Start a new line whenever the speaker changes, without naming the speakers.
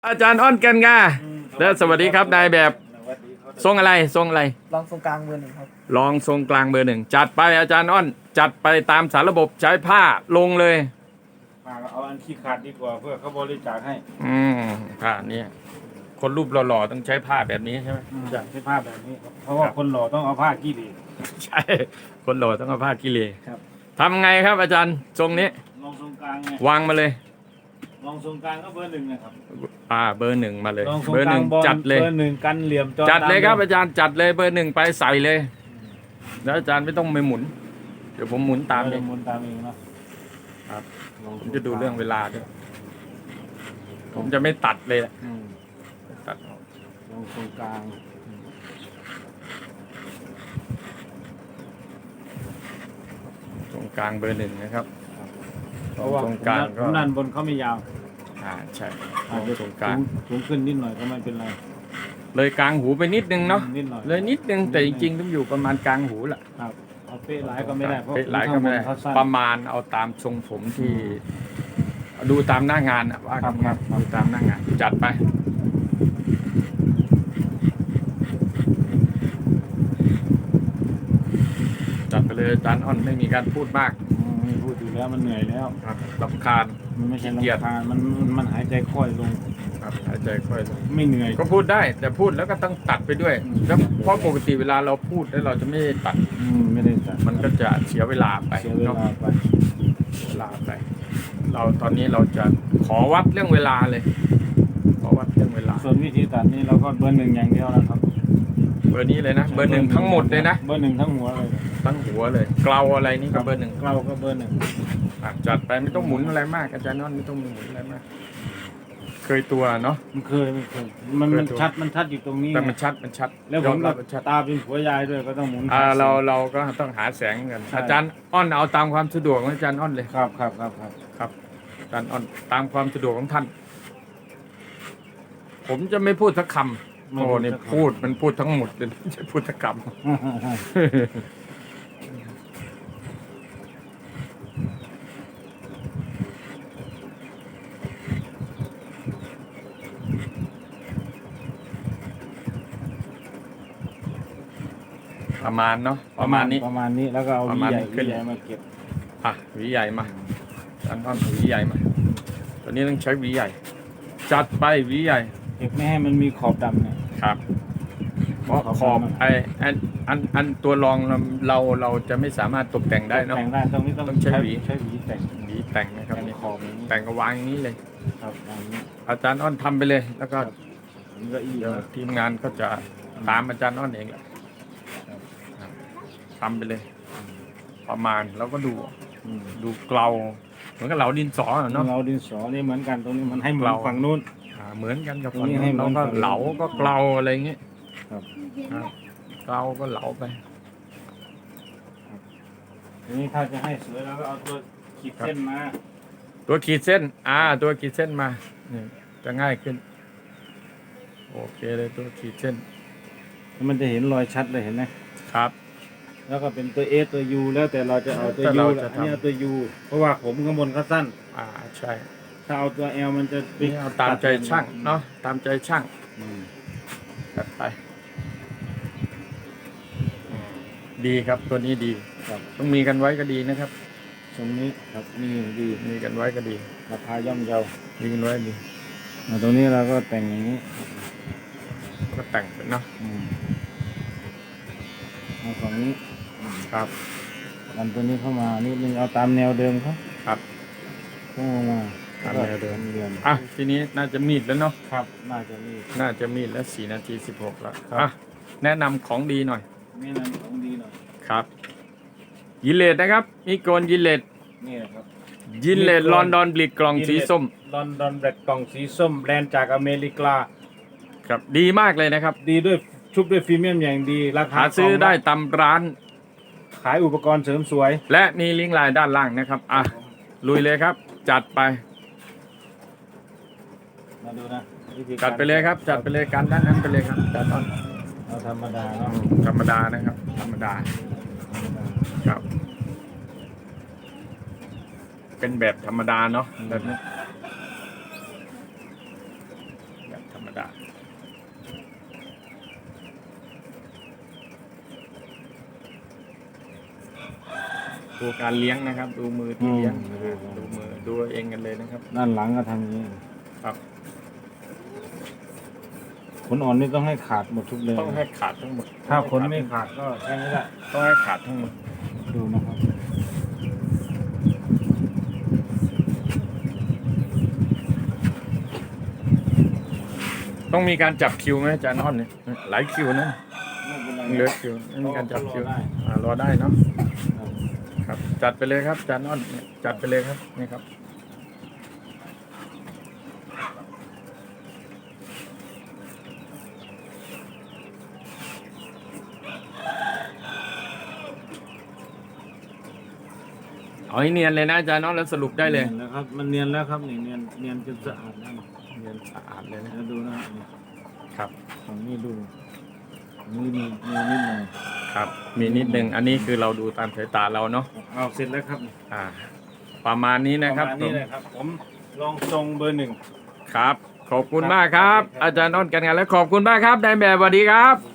อาจารย์อ้อนกันงาแล้วสวัสดีครับนายแบบทรงอะไรทรงอะไร
ลองตรงกลางเบอร์หนึ่งครับ
ลองทรงกลางเบอร์หนึ่งจัดไปอาจารย์อ้อนจัดไปตามสารระบบใช้ผ้าลงเลย
มาเอาอันขี้ขาดดีกว่าเพื่อเขาบริจาคให้
ผ้านี้คนรูปหล่อๆต้องใช้ผ้าแบบนี้ใช่ไหม
ใช่ผ้าแบบนี้เพราะว่าคนหล่อต้องเอาผ้ากี้ดี
ใช่คนหล่อต้องเอาผ้ากิเลส
ครับ
ทำไงครับอาจารย์ทรงนี้
ลองทรงกลางไง
วางมาเลย
ลองทรงกลางก็เบอร์หนึ่งนะครับ
เบอร์หนึ่งมาเลย
ลองทรง
เบอร์หนึ่ง
กลางบอล
จัดเลย
เบอร์หนึ่งกันเหลี่ยมจอ
จัดเลยครับอาจารย์จัดเลยเบอร์หนึ่งไปใส่เลยแล้วอาจารย์ไม่ต้องไปหมุนเดี๋ยวผมหมุนตามเอง
หมุนตามเองนะครับ
ผมจะดูเรื่องเวลาด้วยผมจะไม่ตัดเลยตัด
ลองทรงกลาง
ตรงกลางเบอร์หนึ่งนะครับ
เพราะว่าตรงกลางก็ด้านบนเขาไม่ยาว
ใช่
ตรงกลางสูงขึ้นนิดหน่อยก็ไม่เป็นไร
เลยกลางหูไปนิดนึงเนาะ
นิดหน่อย
เลยนิดนึงแต่จริงๆต้องอยู่ประมาณกลางหูแหละ
ครับเอาเป๊ะหลายก็ไม่ได้เพราะ
เป๊ะหลายก็ไม่ได้ประมาณเอาตามทรงผมที่ดูตามหน้างานว่าครับดูตามหน้างานจัดไปจัดไปเลยอาจารย์อ้อนไม่มีการพูดมาก
ไม่พูดอยู่แล้วมันเหนื่อยแล้ว
รำคาญ
มันไม่ใช่รำคาญมันหายใจค่อยลง
ครับหายใจค่อยลง
ไม่เหนื่อย
ก็พูดได้แต่พูดแล้วก็ต้องตัดไปด้วยแล้วเพราะปกติเวลาเราพูดแล้วเราจะไม่ตัด
ไม่ได้ตัด
มันก็จะเสียเวลาไป
เสียเวลาไป
เราตอนนี้เราจะขอวัดเรื่องเวลาเลยขอวัดเรื่องเวลา
ส่วนวิธีตัดนี่เราก็เบอร์หนึ่งอย่างเดียวนะครับ
เบอร์นี้เลยนะเบอร์หนึ่งทั้งหมดเลยนะ
เบอร์หนึ่งทั้งหัวเลย
ทั้งหัวเลยเกลาอะไรนี่ก็เบอร์หนึ่ง
เกลาก็เบอร์หนึ่ง
จัดไปไม่ต้องหมุนอะไรมากอาจารย์นอนไม่ต้องหมุนอะไรมากเคยตัวเนาะ
มันเคยมันชัดอยู่ตรงนี้
แต่มันชัด
แล้วผมตาเป็นผัวยายด้วยก็ต้องหมุน
เราก็ต้องหาแสงกันอาจารย์อ้อนเอาตามความสะดวกของอาจารย์อ้อนเลย
ครับ
อาจารย์อ้อนตามความสะดวกของท่านผมจะไม่พูดสักคำโอ้นี่มันพูดทั้งหมดเลยจะพูดสักคำประมาณเนาะ
ประมาณนี้แล้วก็เอาหวีใหญ่มาเก็บ
หวีใหญ่มาอันนั้นหวีใหญ่มาตอนนี้ต้องใช้หวีใหญ่จัดไปหวีใหญ่
เก็บไม่ให้มันมีขอบดำเนี่ย
ครับเพราะขอบอันตัวรองเราจะไม่สามารถตกแต่งได้เนาะ
แต่งได้ตรงนี้ต้องใช้หวี
แต่งนะครับนี่ขอบแต่งก็วางอย่างนี้เลย
ครับ
อาจารย์อ้อนทำไปเลยแล้วก็ทีมงานก็จะตามอาจารย์อ้อนเองแหละทำไปเลยประมาณแล้วก็ดูเกลาเหมือนกับเหลาดินสอเนาะ
เหลาดินสอนี่เหมือนกันตรงนี้มันให้เหมือนฝั่งนู้น
เหมือนกันกับฝั่งนู้นเราก็เหลาก็เกลาอะไรเงี้ยเกลาก็เหลาไป
ทีนี้ถ้าจะให้สวยเราก็เอาตัวขีดเส้นมา
ตัวขีดเส้นตัวขีดเส้นมาจะง่ายขึ้นโอเคเลยตัวขีดเส้น
มันจะเห็นรอยชัดเลยเห็นไหม
ครับ
แล้วก็เป็นตัว S ตัว U แล้วแต่เราจะเอาตัว U อันนี้เอาตัว U เพราะว่าผมข้างบนเขาสั้น
ใช่
ถ้าเอาตัว L มันจะ
เอาตามใจช่างเนาะตามใจช่างตัดไปดีครับตัวนี้ดีต้องมีกันไว้ก็ดีนะครับ
ตรงนี้ครับนี่ดี
มีกันไว้ก็ดี
ราคาย่อมเยา
มีกันไว้ดี
ตรงนี้เราก็แต่งอย่างนี้
ก็แต่งไปเนาะ
เอาฝั่งนี้
ครับ
ดันตัวนี้เข้ามานิดนึงเอาตามแนวเดิม
ครับ
เข้ามา
ตามแนวเดิมทีนี้น่าจะมีดแล้วเนาะ
ครับน่าจะ
มีดแล้ว4 นาที 16แล้วแนะนำของดีหน่อย
แนะนำของดีหน่อย
ครับยิเลตนะครับมีโกนยิเลต
นี่ครับ
ยิเลตลอนดอนบลิกกล่องสีส้ม
ลอนดอนแบล็กกล่องสีส้มแบรนด์จากอเมริกา
ครับดีมากเลยนะครับ
ดีด้วยชุบด้วยพรีเมียมอย่างดีราคา
ซื้อได้ตามร้าน
ขายอุปกรณ์เสริมสวย
และมีลิงก์ไลน์ด้านล่างนะครับลุยเลยครับจัดไป
มาดูนะ
จัดไปเลยครับจัดไปเลยการด้านนั้นไปเลยครับจัดตอน
เอาธรรมดาเนาะ
ธรรมดานะครับธรรมดาครับเป็นแบบธรรมดาเนาะแบบนี้รรมดาดูการเลี้ยงนะครับ ดูมือที่เลี้ยงดูมือดูเองกันเลยนะครับ
ด้านหลังก็ทำอย่างนี้
ครับ
ขนอ่อนนี่ต้องให้ขาดหมดทุกเลย
ต้องให้ขาดทั้งหมด
ถ้าขนไม่ขาดก็ใช้ไม่ได้
ต้องให้ขาดทั้งหมด
ดูนะครับ
ต้องมีการจับคิวไหมอาจารย์อ้อนเนี่ยหลายคิวนะ
ไม่เป็นไร
เหลือคิวไม่มีการจับคิวรอได้เนาะครับ จัดไปเลยครับอาจารย์อ้อนเนี่ยจัดไปเลยครับนี่ครับเอาให้เนียนเลยนะอาจารย์อ้อนแล้วสรุปได้เลย
เนียนแล้วครับ มันเนียนแล้วครับนี่เนียนจนสะอาดแล้ว
เนียนสะอาดเลยนะ
แล้วดูนะครับนี่
ครับ
ฝั่งนี้ดูฝั่งนี้มีนิดหน่อย
ครับ มีนิดนึงอันนี้คือเราดูตามสายตาเราเนาะ
เอาเสร็จแล้วครับ
ประมาณนี้นะครับ
ประมาณนี้เลยครับ ผมลองทรงเบอร์ 1
ครับ ขอบคุณมากครับ อาจารย์อ้อนกันงานและขอบคุณมากครับนายแบบสวัสดีครับ